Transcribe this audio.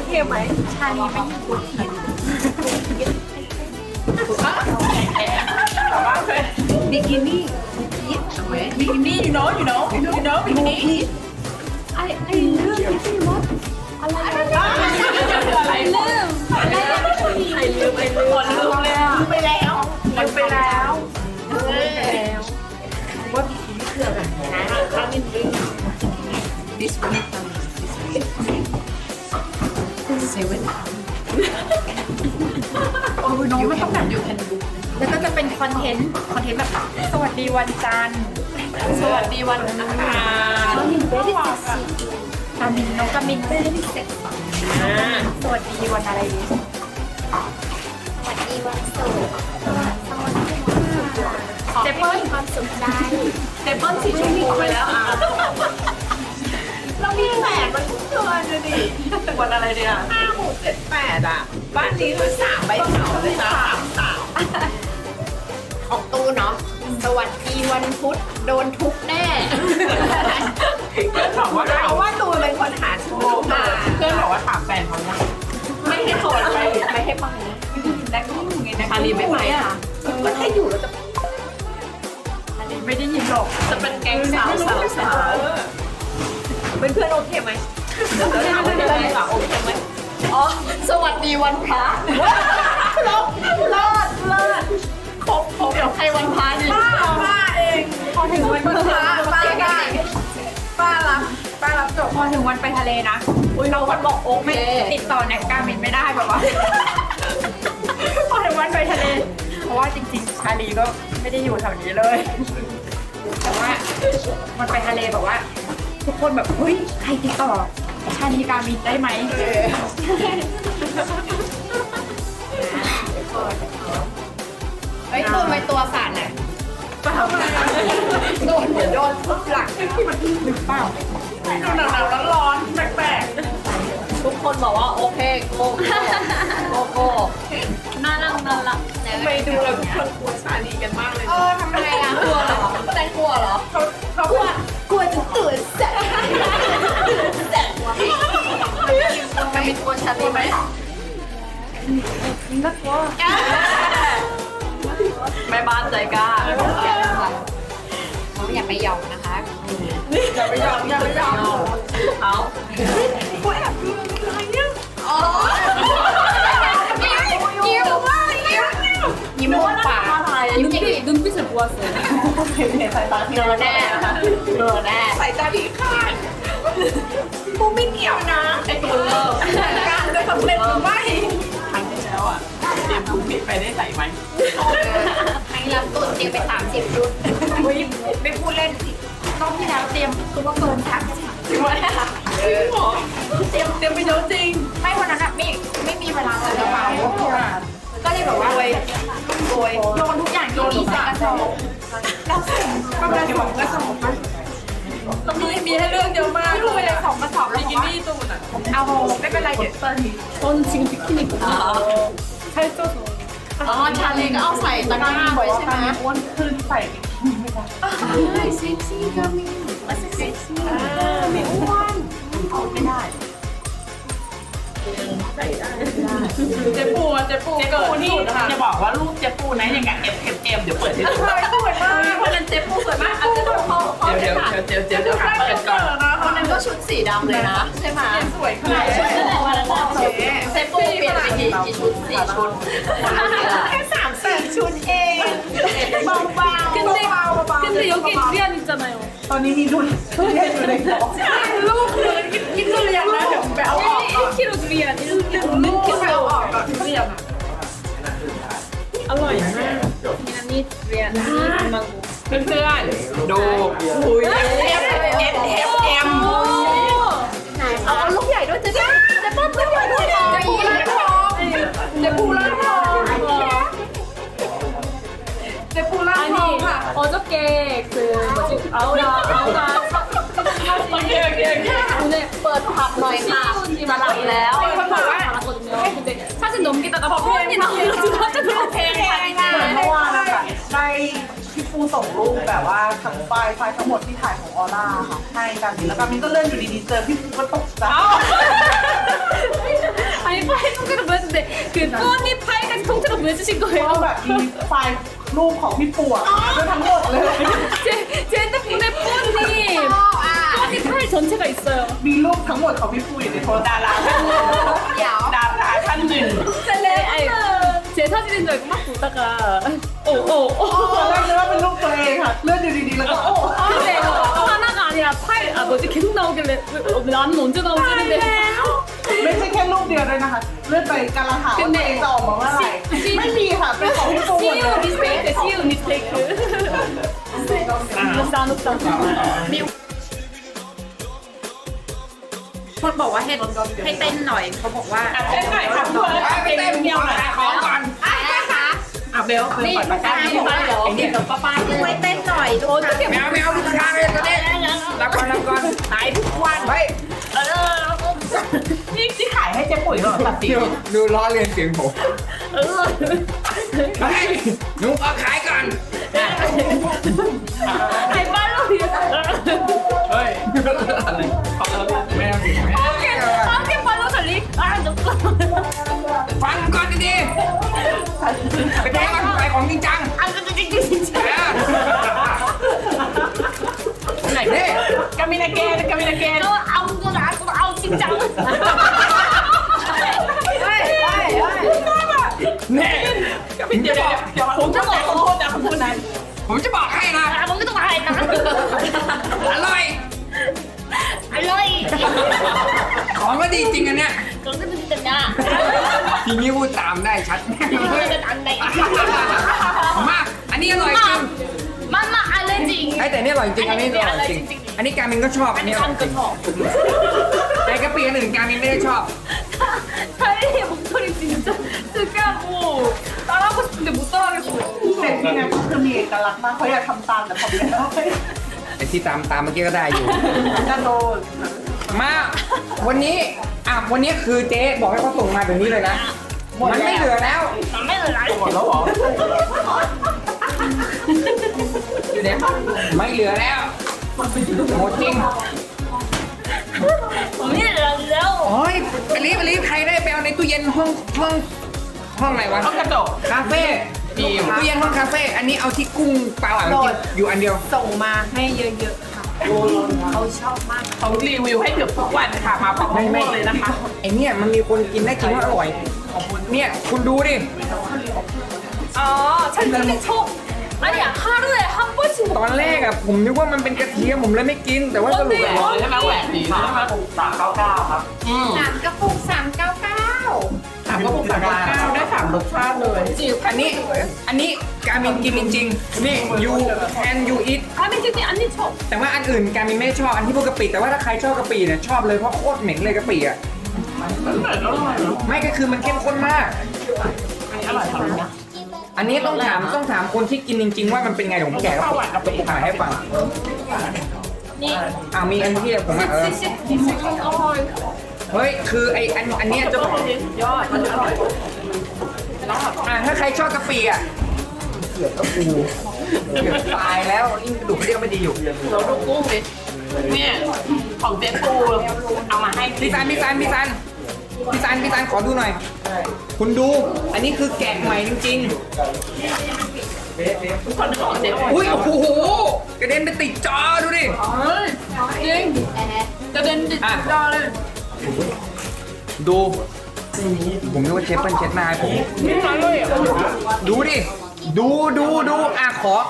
เคไหมชาลีไม่พูดผิดบิกินี่บิกินี่ you knowบิกินี่ไอ้เรื่องที่พี่ว่าอะไรลืมคนลืมแล้วไปแล้วว่าบิกินี่คืออะไรนะข้างนิดนึง this oneเซเว่นโอ้ยน้องไม่ต้องแบบอยู่แคนดูแล้วก็จะเป็นคอนเทนต์แบบสวัสดีวันจันทร์สวัสดีวันอังคารน้องมินเบสน้องกามินเบสเสร็จสวัสดีวันอะไรดีสวัสดีวันศุกร์สวัสดีวันศุกร์เจเปิ้ลความสุขใจเจเปิ้ลสีชมพูไปแล้วเรามีแปดมันทุกเดือนเลยดิวันอะไรเนี่ย5 6 7 8อ่ะบ้านนี้คือ3ใบเถาเลยนะของตู้เนาะสวัสดีวันพุธโดนทุบแน่เพื่อนบอกว่าเพราะว่าตูนเป็นคนหาชูมาเพื่อนบอกว่าถามแฟนเขาว่าไม่ให้โทรไม่ให้ไปแน็กนี่ไงนะชาลีไม่ไปค่ะก็ถ้าอยู่แล้วจะชาลีไม่ได้ยินหรอกจะเป็นแก๊งสาวเพื่อนโอเคไหมแล้วถามเพื่อนโอเคไหมอ๋อสวัสดีวันพระเลิศครบเดี๋ยวใครวันพระดิป้าเองพอถึงวันพระป้ารับจบพอถึงวันไปทะเลนะเราวันบอกโอ๊กไม่ติดต่อแน็กการมินไม่ได้แบบว่าพอถึงวันไปทะเลเพราะว่าจริงๆชาลีก็ไม่ได้อยู่แถวนี้เลยแต่ว่ามันไปทะเลแบบว่าทุกคนแบบเฮ้ยใครติดต่อชาลีการมินได้ไหมไอ้ตัวไปตัวสั่นน่ะโดนทุบหลังมันหรือเปล่าหนาวๆร้อนๆแปลกๆทุกคนบอกว่าโอเคโกน่ารักไปดูแล้วทุกคนกลัวชาลีกันมากเลยทำไมอ่ะกลัวเหรอแตงกลัวเหรอเขากลัวจะตื่นแสบมันมีตัวชาลีไหมน่ากลัวแม่บ้านใจกล้าเขาอย่าไปยอมนะคะอย่าไปยอมเอากูแอบดูอะไรเนี่ยอ๋อยิ้มมุมปาก 눈빛을 보았어요. สายตาที่เราแน่สายตาที่ข้างกูไม่เกี่ยวนะไอ้ตัวเลิกการจะสำเร็จหรือไม่ครั้งที่แล้วอ่ะเตรียมถุงผิดไปได้ใส่ไหมให้รับตุนเตรียมไป30 ชุดไม่พูดเล่นรอบที่แล้วเตรียมคือว่าเกิน30จริงไหมเตรียมไปเยอะจริงไม่วันนั้นไม่มีเวลาใส่กระเป๋าก็เลยแบบว่าโยนทุกอย่างที่มีใส่กระสอบเราใส่ประมาณ2 กระสอบมั้ยมีให้เลือกเยอะมากไม่รู้เลย2 กระสอบแล้วกินนี่ตูนอ่ะเอาไม่เป็นไรเดี๋ยว 전 지금 비키니거든요. 살쪄서. อ๋อชาลีก็เอาใส่ตะกร้าไว้ใช่ไหมอ้วนขึ้นใส่เซ็กซี่ก็มีเซ็กซี่ไม่อ้วนเอาไม่ได้เจ๊ปูเกิดนี่จะบอกว่ารูปเจ๊ปูนะอย่างกับเดี๋ยวเปิดให้ดูสวยมากคนนั้นเจ๊ปูสวยมากเจ๊ปูเดี๋ยวเปิดก่อนคนนั้นก็ชุดสีดำเลยนะใช่ไหมสวยขนาดชุดอะไรวันนั้นเจ๊ปูเปลี่ยนไปกี่ชุด4 ชุดแค่3-4 ชุดเองเบา 근데 여기 두리안 있잖아요. ตอนนี้มีทุเรียนอยู่ในท้องใช่ลูกเลยกินทุเรียนนะเดี๋ยวไปเอาออก 1kg 두리안. ลูกไปเอาออกก่อนทุเรียน 어ร่อยมากนี่두리안 망고. เพื่อนๆดูคุยเอ็มเอาลูกใหญ่ด้วยจะเปิ้ลลูกใหญ่ด้วยเจ๊ปูร้านทองค่ะ 어저께 그 뭐지 아우라 오늘 เปิดผับหน่อยค่ะมาหลับแล้วคนบอกว่า근데 사진 넘기다가 폰이 나와가지고 깜짝 놀랐어요. เมื่อวานนะคะได้พี่ปูส่งรูปแบบว่าทั้งไฟล์ทั้งหมดที่ถ่ายของออร่าค่ะให้กันแล้วก็มินก็เลื่อนอยู่ดีๆเจอพี่ปูก็ตกใจ 왜 주신 เพราะ 거예요? แบบมีไฟล์รูปของพี่ปู่อะด้วยทั้งหมดเลย 제 핸드폰에 폰이 อ่ะ 폰이 파일 전체가 있어요. มีรูปทั้งหมดของพี่ปู่อยู่ในโทรดาราท่านหนึ่งเดี๋ยวดาราท่านหนึ่ง 아니, 제 사진인 줄 알고 막 보다가 오 ตอนแรกนึกว่าเป็นรูปตัวเองค่ะเลื่อนดูดีๆแล้วก็โอ้ 근데 하나가 아니라 파일 뭐지 계속 나오길래 나는 언제 나오지 했는데 ไม่ใช่แค่รูปเดียวด้วยนะคะเลื่อนไปกำลังหาว่าตัวเองจะออกมาเมื่อไหร่ไม่มีค่ะเป็นของพี่ปู่หมดเลย CU 미스테이크 CU 미스테이크 옥상 옥상 คนบอกว่าให้เต้นหน่อยเขาบอกว่าเต้นหน่อยค่ะเพื่อนไปเต้นเดียวขายของก่อนอ่ะนะคะอ่ะเบลคือปล่อยปากกานี่บอกว่าเดี๋ยวเดี๋ยวป้าช่วยเต้นหน่อยลูกนะไม่เอาลูกค้าเลยตัวนี้รับก่อนขายทุกวันเฮ้ยที่ขายให้เจ๊ปุ๋ยเหรอตัดสินดูล้อเลียนเสียงผมเฮ้ยหนูเอาขายก่อน 아니 팔로우 เฮ้ยอะไรไม่เอาสิไม่เอา 어떻게 팔로우 살리? 아 너무 ฟังก่อนดีๆไปแจ้งก่อนขายของจริงจัง 안 돼, 진짜. ไหนเนี่ยกามินาเกนกามินาเกน 너 아무도 나 아우 진짜. แน่ผมจะบอกผมจะบอกขอโทษนะคำพูดนั้นผมจะบอกให้นะ 아 먹는 거 다 했나? อร่อย 알로이. ของก็ดีจริงอันเนี้ย 그런 거 진짜. ทีนี้พูดตามได้ชัด 이거는 안 돼. มากอันนี้อร่อยจริง 맘마 알레지. ไอ้แต่นี่อร่อยจริงอันนี้อร่อยจริงอันนี้การมินก็ชอบอันนี้อร่อยจริงแต่กะปิอันอื่นการมินไม่ได้ชอบ 사리의 목소리 진짜 특이하고 따라하고 싶은데 못 따라하겠어. เด็กที่นั่นคือมีเอกลักษณ์มากเขาอยากทำตามแต่ทำไม่ได้ไอ้ที่ตามเมื่อกี้ก็ได้อยู่กระโดดมาวันนี้วันนี้คือเจ๊บอกให้เขาส่งมาแบบนี้เลยนะ มันไม่เหลือแล้ว 남매는 알. หมดแล้วเหรออยู่เนี่ยไม่เหลือแล้วหมดจริง 언니는 안 돼요. โอ้ยไปรีบใครได้ไปเอาในตู้เย็นห้องไหนวะต้องกระโดดคาเฟ่ตู้เย็นห้องคาเฟ่อันนี้เอาที่กุ้งเปล่ากินอยู่อันเดียวส่งมาให้เยอะๆค่ะเขาชอบมากเขารีวิวให้เกือบทุกวันค่ะมาพร้อมๆเลยนะคะไอเนี่ยมันมีคนกินได้จริงว่าอร่อยเนี่ยคุณดูดิ 아, 찰떡이 쳐. 아니야, 하루에 한 번씩 ตอนแรกผมนึกว่ามันเป็นกระเทียมผมเลยไม่กิน แต่ว่าสรุปแล้วใช่ไหมแหวกดีใช่ไหม399ครับ 3 กระปุก 399 ถามก็ปุก399ได้3รสชาติเลยอันนี้การมินกินจริงๆนี่ you and you eat 가면 진짜 언니 쳐. แต่ว่าอันอื่นการมินไม่ได้ชอบอันที่พวกกะปิแต่ว่าถ้าใครชอบกะปิเนี่ยชอบเลยเพราะโคตรเหม็นเลยกะปิอ่ะไม่ก็คือมันเข้มข้นมากอร่อยครับอันนี้ต้องถามคนที่กินจริง ๆ ว่ามันเป็นไงเดี๋ยวผมแกะกระปุกขายให้ฟัง 니. มีอันที่ผมเฮ้ยคืออันเนี้ยจะบอกยอดมันอร่อยถ้าใครชอบกะปิเกือบกระปูเกือบตายแล้วยิ่งกระดูกเรียกไม่ดีอยู่เราดูกุ้งดิเนี่ยของเจ๊ปูเอามาให้พี่ซันขอดูหน่อย คุณดู อันนี้คือแกะใหม่จริงคนของเจ๊ปูๆอุ้ยโอ้โหกระเด็นไปติดจอดูดิ 찡. 나 렌즈 아. 진짜 래. ดู ผมนึกว่าเชฟเปิ้ลเช็ดหน้าให้ผมนี่อร่อยอ่ะดูดิ ดูขอ